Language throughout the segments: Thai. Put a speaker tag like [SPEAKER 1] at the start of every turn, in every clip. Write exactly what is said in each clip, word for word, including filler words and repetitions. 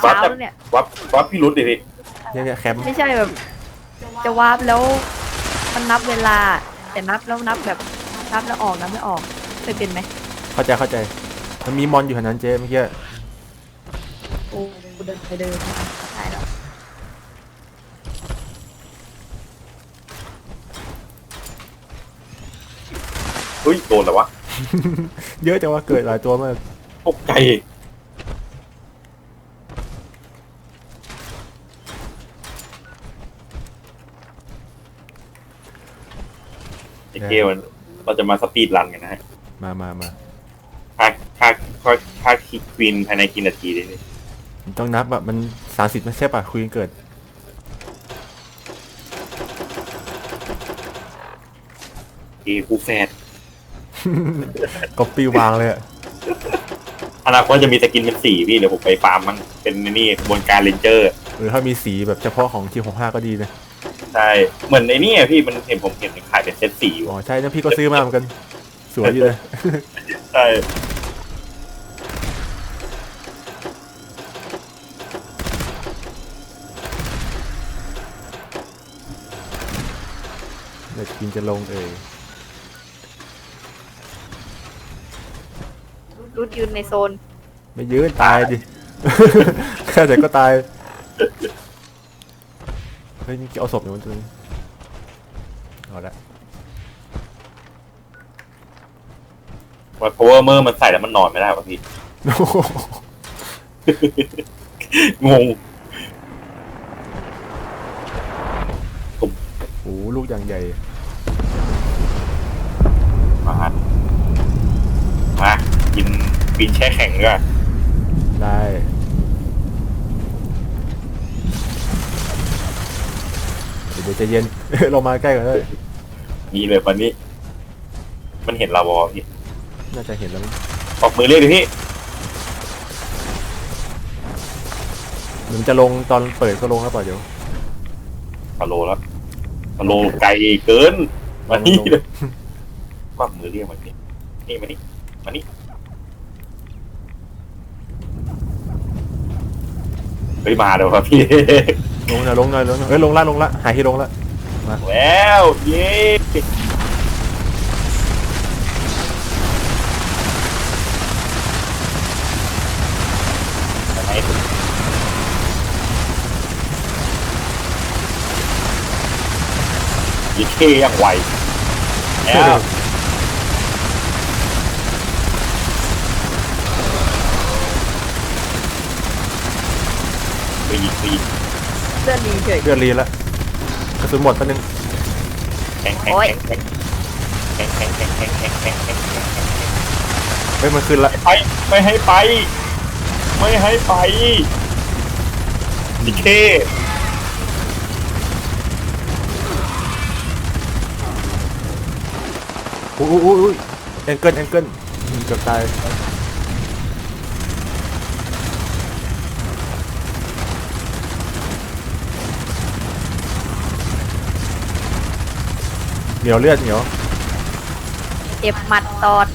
[SPEAKER 1] เช้า
[SPEAKER 2] วัด
[SPEAKER 1] แล้วเนี่ย
[SPEAKER 2] วัดวัดพี่รุดดิพี่
[SPEAKER 3] เนี่ยเนี่ยแคมป์
[SPEAKER 1] ไม่ใช่แบบ จะวาร์ปแล้วมันนับเวลา แต่นับแล้วนับแบบนับแล้วออกนับไม่ออกเคยเป็นไหม
[SPEAKER 3] เข้าใจเข้าใจมันมีมอนอยู่แถวนั้นเจ๊เมื่อกี้
[SPEAKER 1] โอ้กูเดินไปเดินมาได้แล้ว
[SPEAKER 2] เฮ้ยโดนแล้ววะ
[SPEAKER 3] เยอะจังว่าเกิดหลายตัวมาก
[SPEAKER 2] ตกใจไอ้เกลมันเราจะมาสปีดรันกันนะฮะ
[SPEAKER 3] มามามา
[SPEAKER 2] ค่าค่าค่าค่าคิควีนภายในกี่นาทีเลยนี่
[SPEAKER 3] ต้องนับแบบมันสามสิบไม่ใช่ป่ะคุยกันเกิด
[SPEAKER 2] เอคูแฟด
[SPEAKER 3] ก็ปีวางเลยอะ
[SPEAKER 2] อนาคตจะมีสกินเป็นสีพี่เดี๋ยวผมไปฟาร์มมันเป็นนี่กระบวนการเรนเจอร์
[SPEAKER 3] หรือถ้ามีสีแบบเฉพาะของทีหกห้าก็ดีนะ
[SPEAKER 2] ใช่เหมือนในนี่อะพี่มันเห็นผมเห็นขายเป็นเซตสีอยู่
[SPEAKER 3] อ๋อใช่นะพี่ก็ซื้อมาเหมือนกันสวยอยู่เลย
[SPEAKER 2] ใช่
[SPEAKER 3] เดี๋ยวกินจะลงเอ่ย
[SPEAKER 1] รุดยืนในโซน
[SPEAKER 3] ไม่ยืนตายดิ แค่ไหนก็ตายเฮ้ยนี่เอาศพอยู่มันตัวนี้เอาละ
[SPEAKER 2] ว่าเพราะว่าเมื่อมันใส่แล้วมันนอนไม่ได้ป่ะพี่
[SPEAKER 3] โอ้โห
[SPEAKER 2] งง
[SPEAKER 3] โอ้โหลูกอย่างใหญ่
[SPEAKER 2] มามากินกินแช่แข็งด้วย
[SPEAKER 3] ได้เดี๋ยวใจะเย็น เรามาใกล้กันเลย
[SPEAKER 2] มีเลยวันนี้ มันเห็นเราบอพี่
[SPEAKER 3] น่าจะเห็นแล้วมั้ง
[SPEAKER 2] ออกมือเรียกดิพี่
[SPEAKER 3] เหมือนจะลงตอนเปิดก็ลงแล้วเปล่าเดี๋ยว
[SPEAKER 2] ฟาโลแล้วฟาโลไกลเกินมานี่เลยกวักมือเรียกมันนี่นี่มานี่มานี่เฮ้ยมาเดี๋ยวครับพี่
[SPEAKER 3] ลงหน่อยลงหน่อยลงหน่อยเฮ้ยลงละลงละหายที่ลงละ
[SPEAKER 2] แล้วเย้ไหนยี่เท่ยังไวแล้วไปยิงไปยิง
[SPEAKER 1] เลื่อนดีเฉย
[SPEAKER 3] เลือดรีละกระสุนหมดแป๊บนึง
[SPEAKER 2] แข็งแข็งแข็งแข็งแข็งแข็งแข็งแข็งแข็งแข็งแข็งแข็ง
[SPEAKER 3] เฮ้ยมันขึ้นละ
[SPEAKER 2] ไปไม่ให้ไป ไม่ให้ไปดิเค
[SPEAKER 3] อุ้ยอุ้ยอุ้ยแองเกิลแองเกิลเกือบตายเหนียวเลือดเหนียว
[SPEAKER 1] เจ็บหมัดตอด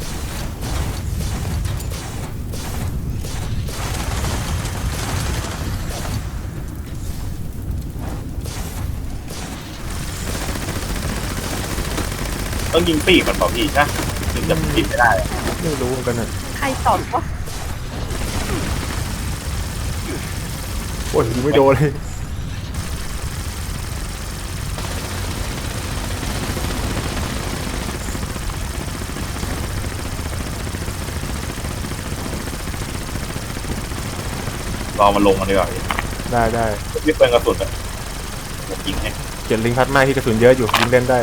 [SPEAKER 2] ต้องยิงปีกมันเปล่าพี่นะถึงจะปิดไม่ได้
[SPEAKER 3] ไม่รู้เหมือนกันอ่ะ
[SPEAKER 1] ใครตอดวะ
[SPEAKER 3] โอ้ยยิงไม่โดนเลย
[SPEAKER 2] รอมันลงมาดีกว่าพี่
[SPEAKER 3] ได้ได้
[SPEAKER 2] พี่เปิดกระสุนอะผมยิงให้
[SPEAKER 3] เจ็ดลิงพัดมาที่กระสุนเยอะอยู่ยิงเล่นได้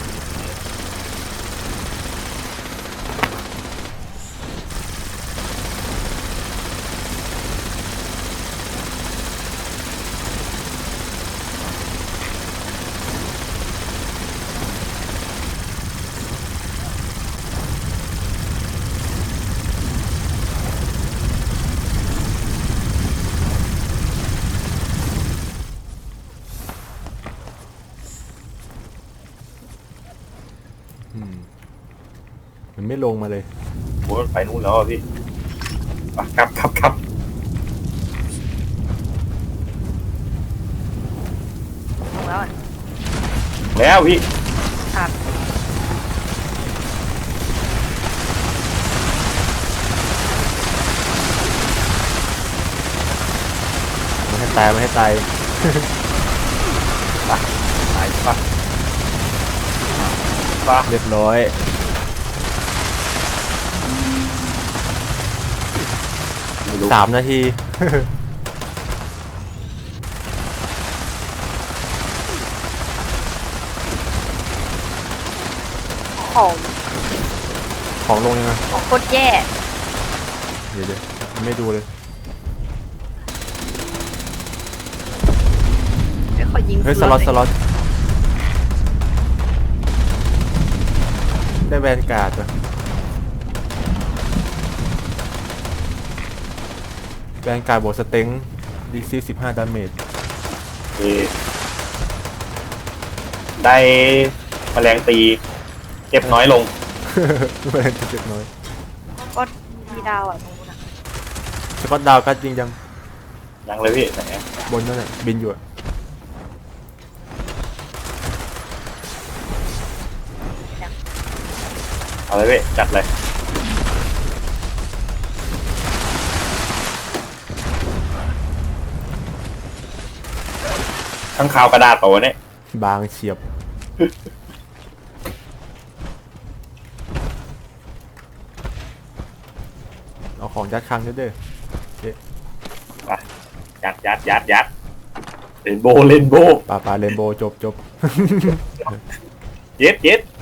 [SPEAKER 3] อืมมันไม่ลงมาเลย
[SPEAKER 2] โอ้ยไปนู่นแล้วอะพี่ไปครับครับครับแล้วพี่
[SPEAKER 1] ครับ
[SPEAKER 3] ไม่ให้ตายไม่ให้ตาย
[SPEAKER 2] ตายปะปะ
[SPEAKER 3] เรียบร้อย
[SPEAKER 2] ไม่รู้
[SPEAKER 3] สามนาที
[SPEAKER 1] ของ
[SPEAKER 3] ของลงยังไง
[SPEAKER 1] ของโคตรแย่
[SPEAKER 3] เดี๋ยวเดี๋ยวไม่ดูเลย
[SPEAKER 1] เดี๋ยวขอยิง
[SPEAKER 3] เฮ้ยสล็อตสล็อตได้แวนการ์ดเหรอแวนการ์ดบวกสเต็งดีซีสิบห้าดาเมจ
[SPEAKER 2] เออได้แมลงตีเจ็บน้อยลง
[SPEAKER 3] แวนเจ็บน้อย
[SPEAKER 1] ก็มีดาวอ่ะตรงนู้นอ่ะ
[SPEAKER 3] สกอตดาวก็จริงจัง
[SPEAKER 2] ยังเลยพี่ไหน
[SPEAKER 3] บนนั่นแหละบินอยู่อะ
[SPEAKER 2] เอาเลยพี่จัดเลยข้างข่าวกระดาษเปล่าวะเนี่ย
[SPEAKER 3] บางเฉียบ เอาของยัดคลังด้วยเด้อ
[SPEAKER 2] ยัดยัดยัดยัดเลนโบเลนโบ
[SPEAKER 3] ป่าป่าเรนโบว์จบจบ
[SPEAKER 2] เย็ดเย็ด